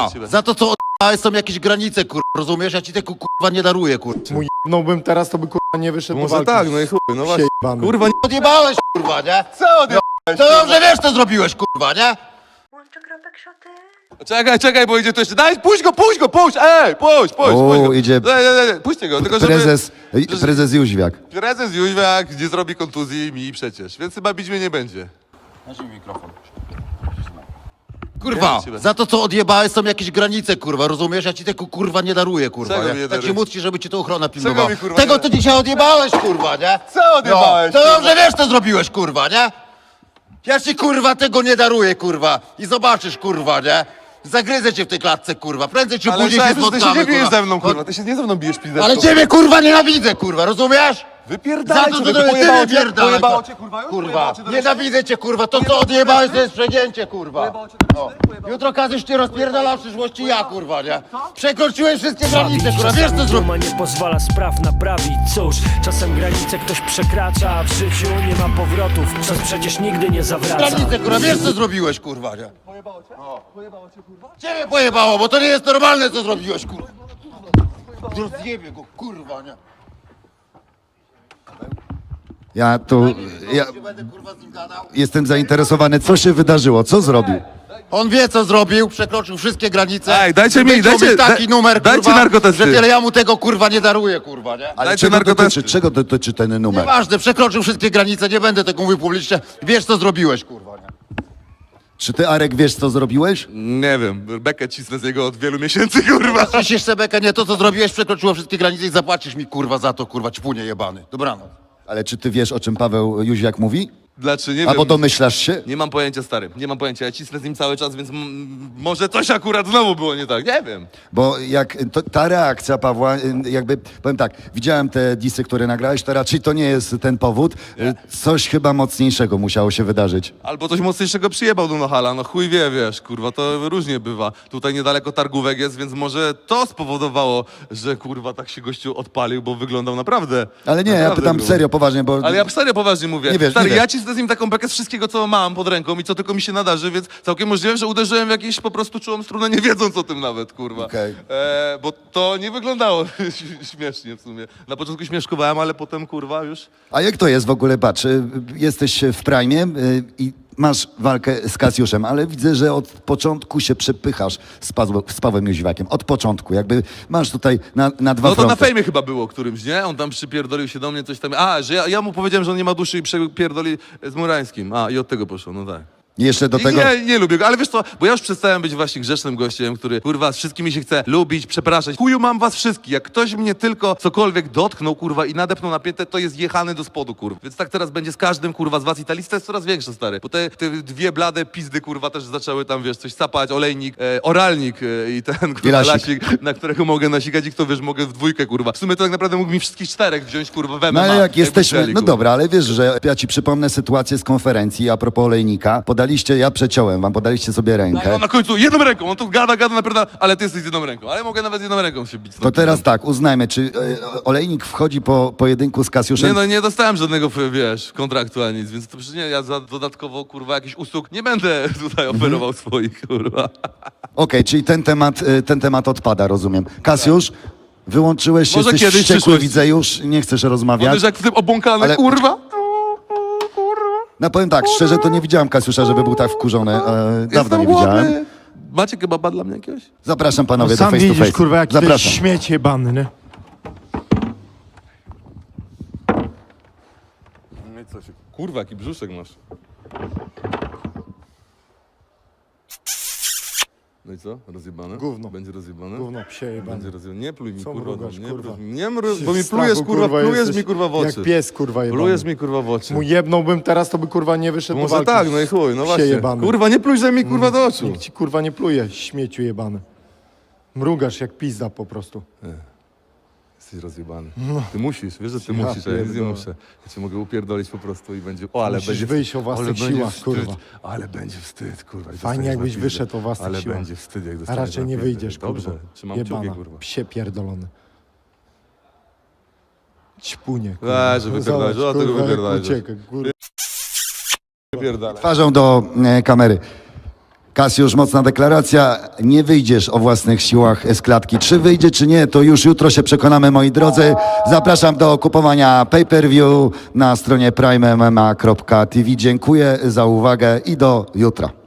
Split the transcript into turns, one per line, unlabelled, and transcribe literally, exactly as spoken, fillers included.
Za to, co odjebałeś, są jakieś granice, kurwa, rozumiesz? Ja ci tego, kurwa, nie daruję, kurwa.
Mu jebnąłbym teraz, to by kurwa nie wyszedł do
Może
walki.
tak, no i chuj, no właśnie.
Jebany.
Kurwa, nie...
Odjebałeś, kurwa, nie?
Co odjebałeś?
To dobrze wiesz, co zrobiłeś, kurwa, nie?
Łączę kropek szoty.
Czekaj, czekaj, bo idzie to jeszcze. Daj, puść go, puść go, puść! Ej, puść, puść,
O,
puść go.
idzie-
Nie, nie, nie, puśćcie go, tylko żeby...
Prezes, prezes Jóźwiak.
Prezes Jóźwiak nie zrobi kontuzji mi przecież, więc chyba bić mnie nie będzie.
Kurwa,
Ja
za to, co odjebałeś, są jakieś granice, kurwa, rozumiesz? Ja ci tego, kurwa, nie daruję, kurwa,
Czego
nie?
mi nie
Tak się
darujesz?
módl, żeby ci to ochrona pilnowała.
mi, kurwa,
Tego,
nie-
co dzisiaj odjebałeś, kurwa, nie?
Co odjebałeś,
No, to
kurwa?
dobrze wiesz, co zrobiłeś, kurwa, nie? Ja ci, kurwa, tego nie daruję, kurwa. I zobaczysz, kurwa, nie? Zagryzę cię w tej klatce, kurwa. Prędzej czy
Ale
później się
szefie, ty się
spotkamy,
nie bijesz
kurwa.
ze mną, kurwa, ty się nie ze mną bijesz, pizdę.
Ale ciebie, kurwa, nienawidzę, kurwa, rozumiesz?
Wypierdalaj,
Za to,
człowieku,
co ty
pojebało cię,
wypierdalaj,
pojebało
kurwa.
cię, kurwa, już?
Kurwa,
Pojebało cię do
nienawidzę cię, kurwa. To, co odjebałeś, to jest przegięcie, kurwa. O. Jutro każesz cię rozpierdala w przyszłości ja, kurwa, nie? Przekroczyłeś wszystkie granice, kurwa, wiesz, co zrobiłeś?
Duma nie pozwala spraw naprawić. Cóż, czasem granice ktoś przekracza, a w życiu nie ma powrotów. Czas przecież nigdy nie zawraca.
Granice, kurwa, wiesz, co zrobiłeś, kurwa, nie? Pojebało cię? Pojebało cię, kurwa? Ciebie pojebało, bo to nie jest normalne, co zrobiłeś, kurwa. Rozjebie go, kurwa, nie?
Ja tu ja
Nie będę, kurwa, z nim gadał.
jestem zainteresowany, co się wydarzyło, co zrobił.
On wie, co zrobił, przekroczył wszystkie granice.
Ej, dajcie mi-
Wyciął
dajcie-
taki
da-
numer,
dajcie
kurwa,
narkotesty.
że tyle ja mu tego, kurwa, nie daruję, kurwa, nie?
Ale
Dajcie
czego
narkotesty.
dotyczy, czego dotyczy ten numer?
Nieważne, przekroczył wszystkie granice, nie będę tego mówił publicznie. Wiesz, co zrobiłeś, kurwa, nie?
Czy ty, Arek, wiesz, co zrobiłeś?
Nie wiem, bekę cisnę z niego od wielu miesięcy, kurwa.
Ciśniesz Sebekę, nie, to, co zrobiłeś, przekroczyło wszystkie granice i zapłacisz mi, kurwa, za to, kurwa, ćpunie jebany. Dobranoc.
Ale czy ty wiesz, o czym Paweł Jóźwiak mówi?
Dlaczego? Nie
Albo
wiem.
domyślasz się?
Nie mam pojęcia, stary, nie mam pojęcia. Ja cisnę z nim cały czas, więc m- może coś akurat znowu było nie tak, nie wiem.
Bo jak to, ta reakcja Pawła, y, jakby, powiem tak, widziałem te disy, które nagrałeś, to raczej to nie jest ten powód. Y, Coś chyba mocniejszego musiało się wydarzyć.
Albo coś mocniejszego przyjebał do Nohala, no chuj wie, wiesz, kurwa, to różnie bywa. Tutaj niedaleko targówek jest, więc może to spowodowało, że kurwa tak się gościu odpalił, bo wyglądał naprawdę.
Ale nie, ja
naprawdę
pytam
grubo.
serio, poważnie, bo...
Ale ja serio poważnie mówię.
Nie wiesz,
Stary,
nie
ja
wiesz.
cisnę z nim taką bekę z wszystkiego, co mam pod ręką i co tylko mi się nadarzy, więc całkiem możliwe, że uderzyłem w jakieś po prostu czułą strunę, nie wiedząc o tym nawet, kurwa.
Okej.
E, bo to nie wyglądało śmiesznie w sumie. Na początku śmieszkowałem, ale potem, kurwa, już...
A jak to jest w ogóle, patrz, y, jesteś w prime y, i masz walkę z Kasiuszem, ale widzę, że od początku się przepychasz z, Pawłem- z Pawłem Jóźwiakiem. Od początku, jakby masz tutaj na, na dwa
No to na
fronty.
fejmie chyba było którymś, nie? On tam przypierdolił się do mnie, coś tam... A, że ja, ja mu powiedziałem, że on nie ma duszy i przypierdoli z Murańskim. A, i od tego poszło, no tak.
I jeszcze do
I
tego...
Nie, nie lubię go, ale wiesz co, bo ja już przestałem być właśnie grzecznym gościem, który kurwa z wszystkimi się chce lubić, przepraszać. Chuju mam was wszystkich, jak ktoś mnie tylko cokolwiek dotknął kurwa i nadepnął na piętę, to jest jechany do spodu kurwa. Więc tak teraz będzie z każdym kurwa z was i ta lista jest coraz większa, stary. Bo te, te dwie blade pizdy kurwa też zaczęły tam wiesz coś sapać, olejnik, e, oralnik e, i ten kurwa
I lasik.
lasik, na którego mogę nasikać i kto wiesz, mogę w dwójkę kurwa. W sumie to tak naprawdę mógł mi wszystkich czterech wziąć kurwa w M M A.
No ale jak jesteśmy,
chcieli,
no
kurwa.
dobra, ale wiesz, że ja ci przypomnę sytuację z konferencji a propos olejnika. Podaliście, ja przeciąłem wam, podaliście sobie
No,
rękę.
na końcu jedną ręką, on tu gada, gada, naprawdę, ale ty jesteś z jedną ręką, ale mogę nawet z jedną ręką się bić.
To teraz tak, uznajmy, czy e, olejnik wchodzi po pojedynku z Kasiuszem?
Nie no, nie dostałem żadnego, wiesz, kontraktu ani nic, więc to przecież nie, ja za dodatkowo, kurwa, jakichś usług nie będę tutaj oferował swoich, kurwa.
Okej, czyli ten temat, e, ten temat odpada, rozumiem. Kasiusz, wyłączyłeś się,
Może
jesteś
kiedyś w
wściekły,
przyszłości.
widzę już, nie chcesz
On
rozmawiać.
już jak w tym obłąkany,
Ale-
kurwa.
No powiem tak, szczerze to nie widziałem Kasiusza, żeby był tak wkurzony. E, dawno
Jestem
nie
głodny.
widziałem.
Macie kebaba dla mnie jakiegoś?
Zapraszam panowie
No
do
sam
face to
widzisz,
face.
kurwa, jaki to jest
Zapraszam.
śmieć jebany, nie?
No i co się... Kurwa, jaki brzuszek masz. No i co? Rozjebane?
Gówno.
Będzie rozjebane?
Gówno psie jebany.
Będzie rozjebane. Nie pluj mi,
Co
kurwa.
mrugasz,
nie,
kurwa?
Nie mru...
Się
bo mi
w strachu,
plujesz, kurwa, plujesz
jesteś
mi, kurwa, w oczy.
Jak pies, kurwa, jebany.
Plujesz mi, kurwa, w oczy.
Mu jebnąłbym teraz, to by, kurwa, nie wyszedł do
Może
walki.
tak, no i chuj, no
Psie
właśnie.
jebany.
Kurwa, nie plujże mi, kurwa, do oczu.
Nikt ci, kurwa, nie pluje, śmieciu jebany. Mrugasz jak pizda po prostu.
Jesteś rozjebany. Ty musisz, wiesz, że ty
Ja
musisz, a ja nic nie
pierdolę.
muszę. Ja cię mogę upierdolić po prostu i będzie... O, ale
Musisz
będzie...
wyjść o własnych
ale będzie
siłach,
wstyd,
kurwa.
Ale będzie wstyd, kurwa. i
Fajnie,
dostaniesz
jakbyś
na pizdę.
wyszedł o własnych
Ale
siłach.
będzie wstyd, jak
A
dostaniesz
raczej
na
nie
pizdę.
wyjdziesz,
Dobrze,
kurwa.
trzymam
Jebana,
kciuki, kurwa.
psie pierdolony. Ćpunie, kurwa.
Weź, że wypierdalaj,
Zobacz,
o, tego
kurwa, jak
wypierdalaj.
ucieka, kurwa.
Wypierdalaj.
Twarzą do e, kamery. Kasiusz, mocna deklaracja. Nie wyjdziesz o własnych siłach z klatki. Czy wyjdzie, czy nie, to już jutro się przekonamy, moi drodzy. Zapraszam do kupowania pay-per-view na stronie prime m m a kropka t v. Dziękuję za uwagę i do jutra.